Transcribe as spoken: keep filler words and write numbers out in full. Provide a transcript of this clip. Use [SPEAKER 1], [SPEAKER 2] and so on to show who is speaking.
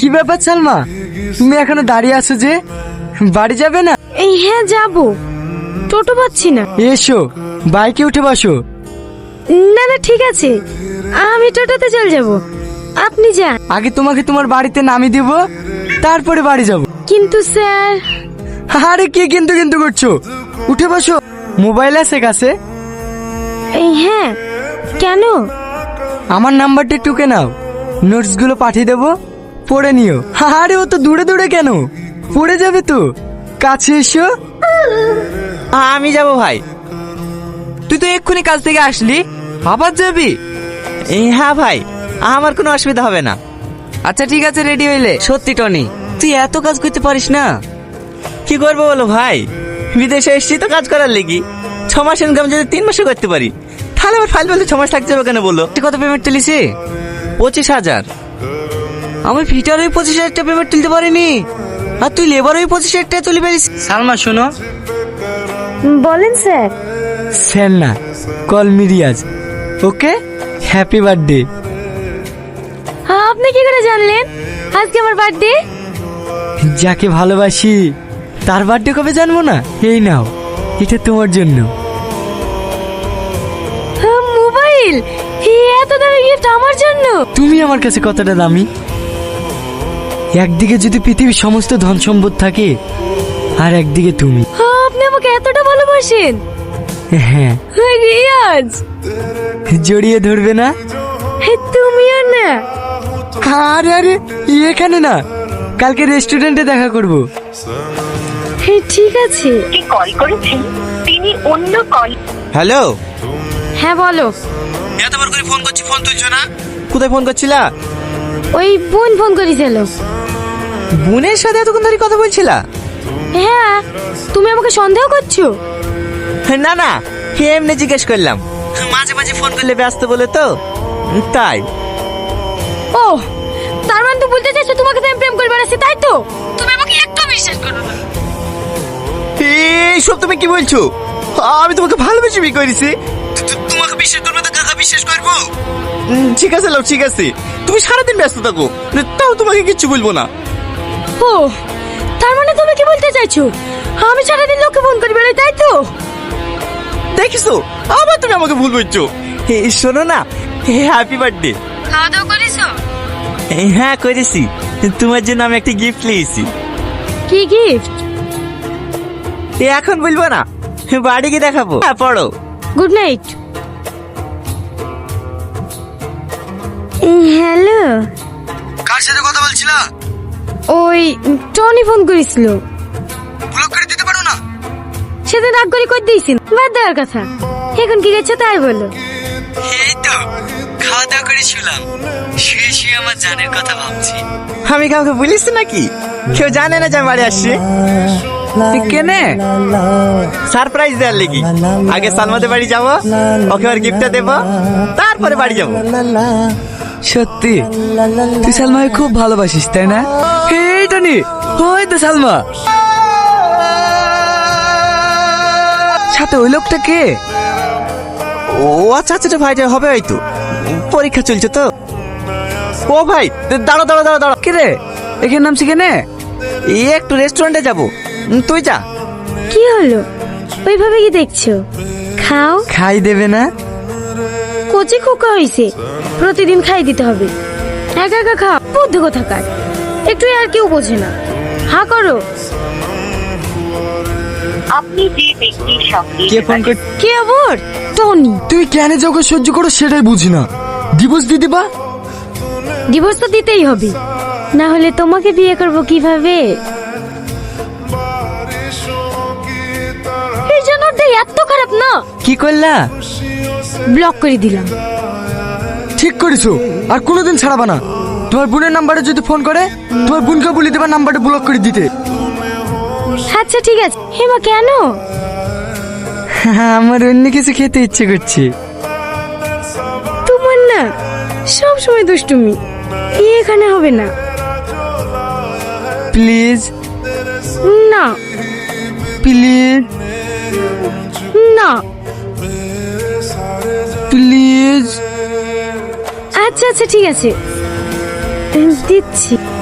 [SPEAKER 1] কি ব্যাপার সালমা, তুমি এখনো দাঁড়িয়ে আছো যে? বাড়ি যাবে না?
[SPEAKER 2] এই হ্যাঁ যাব, টোটো পাচ্ছি না।
[SPEAKER 1] এসো বাইকে উঠে বসো।
[SPEAKER 2] না না ঠিক আছে, আমি টোটোতে চলে যাব, আপনি যান।
[SPEAKER 1] আগে তোমাকে তোমার বাড়িতে নামিয়ে দেব, তারপরে বাড়ি যাব।
[SPEAKER 2] কিন্তু স্যার।
[SPEAKER 1] আরে কি কিন্তু কিন্তু করছো, উঠে বসো। মোবাইল আছে কাছে?
[SPEAKER 2] এই হ্যাঁ, কেন?
[SPEAKER 1] আমার নাম্বারটা টুকে নাও, নোটস গুলো পাঠিয়ে দেবো, পড়ে নিও। আরে ও তো দূরে দূরে কেন, পড়ে যাবে তো, কাছে এসো।
[SPEAKER 3] আমি যাব ভাই।
[SPEAKER 1] তুই তো এক্ষুনি কাজ থেকে আসলি, আবার যাবি?
[SPEAKER 3] হ্যাঁ ভাই, আমার কোনো অসুবিধা হবে না।
[SPEAKER 1] আচ্ছা ঠিক আছে, রেডি হইলে। সত্যি টনি, তুই এত কাজ করতে পারিস না?
[SPEAKER 3] কি করবো বলো ভাই, বিদেশে এসেছি তো কাজ করার লেগি। ছ মাস ইনকাম যদি তিন মাসে করতে পারি, তাহলে আমার ফাইল বলতে ছ মাস লাগতে যাবে কেন বলো?
[SPEAKER 1] তুই কত পেমেন্ট তুলিস?
[SPEAKER 3] পঁচিশ হাজার।
[SPEAKER 1] আমি ফিটার ওই পঁচিশ হাজার টাকা পেমেন্ট তুলতে পারিনি, আর তুই লেবার ওই পঁচিশ হাজার টাকা তুলে পারিস। সালমা শোনো।
[SPEAKER 2] বলেন স্যার।
[SPEAKER 1] স্যার না, call me Riyaz. Okay, happy birthday.
[SPEAKER 2] আপনি কি করে জানলেন আজকে আমার বার্থডে?
[SPEAKER 1] যাকে ভালোবাসি তার বার্থডে কবে জানবো না? এই নাও, এটা তোমার জন্য।
[SPEAKER 2] মোবাইল? এত দামি গিফট আমার জন্য?
[SPEAKER 1] তুমি আমার কাছে কতটা দামি। একদিকে যদি পৃথিবীর সমস্ত ধন সম্পদ থাকে, আর একদিকে তুমি।
[SPEAKER 2] আপনি আমাকে এতটা ভালোবাসেন?
[SPEAKER 1] হ্যাঁ।
[SPEAKER 2] রিয়াজ,
[SPEAKER 1] জড়িয়ে ধরবে না?
[SPEAKER 2] তুমিও না?
[SPEAKER 1] আরে আরে এখানে না, কালকে রেস্টুরেন্টে দেখা করব।
[SPEAKER 2] ঠিক আছে।
[SPEAKER 4] কল করেছেন তিনি অন্য কল।
[SPEAKER 3] হ্যালো।
[SPEAKER 2] হ্যাঁ বলো।
[SPEAKER 3] এতবার করে ফোন করছি, ফোন তুলছো না। কোথায় ফোন করছিলা?
[SPEAKER 2] ওই বোন ফোন করেছিল।
[SPEAKER 3] বোনের সাথে এতক্ষণ ধরে কথা বলছিলা?
[SPEAKER 2] হ্যাঁ, তুমি আমাকে সন্দেহ করছো?
[SPEAKER 3] না না, এমনি জিজ্ঞেস করলাম, মাঝে মাঝে ফোন করলে ব্যস্ত বলে তো, তাই।
[SPEAKER 2] ও, তার মানে তো বলতে চাইছো তোমাকে তো আমি প্রেম করে বেড়াচ্ছি, তাই তো? তুমি আমাকে একটু বিশ্বাস করো না।
[SPEAKER 3] এইসব তুমি কি বলছো? আমি তোমাকে ভালোবেসে বিয়ে করেছি, তোমাকে বিশ্বাস করবে তো কাকা বিশ্বাস করবো? ঠিক আছে লাও, ঠিক আছে, তুমি সারাদিন ব্যস্ত থাকো, তাও তোমাকে কিচ্ছু বলবো না।
[SPEAKER 2] ও, তার মানে তুমি কি বলতে চাইছো আমি সারাদিন লোককে ফোন করে বেড়াই, তাই তো?
[SPEAKER 3] দেখিস, আবার তুমি আমাকে ভুল বলছো। এই শোনো না, হ্যাপি বার্থডে।
[SPEAKER 2] খাওয়া দাওয়া করেছো?
[SPEAKER 3] হ্যাঁ করেছি, তোমার জন্য আমি একটা গিফট নিয়েছি।
[SPEAKER 2] কি গিফট?
[SPEAKER 3] এখন বলবো না, বাড়ি গিয়ে দেখাবো। হ্যাঁ পড়ো।
[SPEAKER 2] Good night. হ্যালো,
[SPEAKER 1] কার সাথে কথা বলছিলা?
[SPEAKER 2] ওই টনি ফোন করেছিল।
[SPEAKER 1] ব্লক করে দিতে পারো না?
[SPEAKER 2] সেদিন রাগ করে কই দিয়েছিল, বাদ দেওয়ার কথা। এখন কি গেছে তাই বলো।
[SPEAKER 1] এই তো খাওয়া দাওয়া করে শুলাম, শুয়ে শুয়ে আমার জানের কথা ভাবছি।
[SPEAKER 3] আমি কাউকে বলিস নাকি? কেউ জানে না যে আমি বাড়ি আসছি।
[SPEAKER 1] কেনে?
[SPEAKER 3] সারপ্রাইজ দেওয়ার লেগে। আগে সালমাদের বাড়ি যাবো, ওকে আর গিফটটা দেবো, তারপরে বাড়ি যাবো।
[SPEAKER 1] সত্যি তুই সালমাকে খুব ভালোবাসিস, তাই না? এই টনি, ওই তো সালমা। সাথে ওই লোকটা কে?
[SPEAKER 3] ও আচ্ছা আচ্ছা ভাই, হবে হয়তো, পরীক্ষা চলছে তো। ও ভাই দাঁড়ো দাঁড়ো দাঁড়ো দাঁড়ো।
[SPEAKER 1] কে রে, এখানে নামছি কেনে?
[SPEAKER 3] এই একটু রেস্টুরেন্টে যাবো, তুই যা।
[SPEAKER 2] কি হলো, ওইভাবে কি দেখছো? খাও।
[SPEAKER 1] খাই দেবে না?
[SPEAKER 2] কচি খোকা হয়েছে, প্রতিদিন খাই দিতে হবে। একা একা খাও, বুদ্ধি কোথাকার। একটু আর কেউ বোঝে না। হা করো।
[SPEAKER 4] আপনি যে ব্যক্তির সঙ্গে
[SPEAKER 1] কে ফোন কর?
[SPEAKER 2] কে আবার? টনি।
[SPEAKER 1] তুই কেন যে ওকে সহ্য করো সেটাই বুঝি না। ডিভোর্স দিয়ে দিবা?
[SPEAKER 2] ডিভোর্স তো দিতেই হবে, না হলে তোমাকে বিয়ে করব কিভাবে? এই জন্যটা এত খারাপ না।
[SPEAKER 1] কি করলা?
[SPEAKER 2] ব্লক করে দিলাম।
[SPEAKER 1] ঠিক করেছো, আর কোনোদিন ছাড়াবা না। তোমার বোনের নাম্বারে যদি ফোন করে, তোমার বোনকে বলে দেবা নাম্বারটা ব্লক করে দিতে।
[SPEAKER 2] আচ্ছা ঠিক আছে। হেমা কেন?
[SPEAKER 1] আমার অন্য কিছু খেতে ইচ্ছে করছে।
[SPEAKER 2] তোমার না সব সময় দুষ্টুমি, এখানে হবে না।
[SPEAKER 1] প্লিজ
[SPEAKER 2] না
[SPEAKER 1] প্লিজ
[SPEAKER 2] না
[SPEAKER 1] প্লিজ।
[SPEAKER 2] আচ্ছা আচ্ছা ঠিক আছে, দিচ্ছি।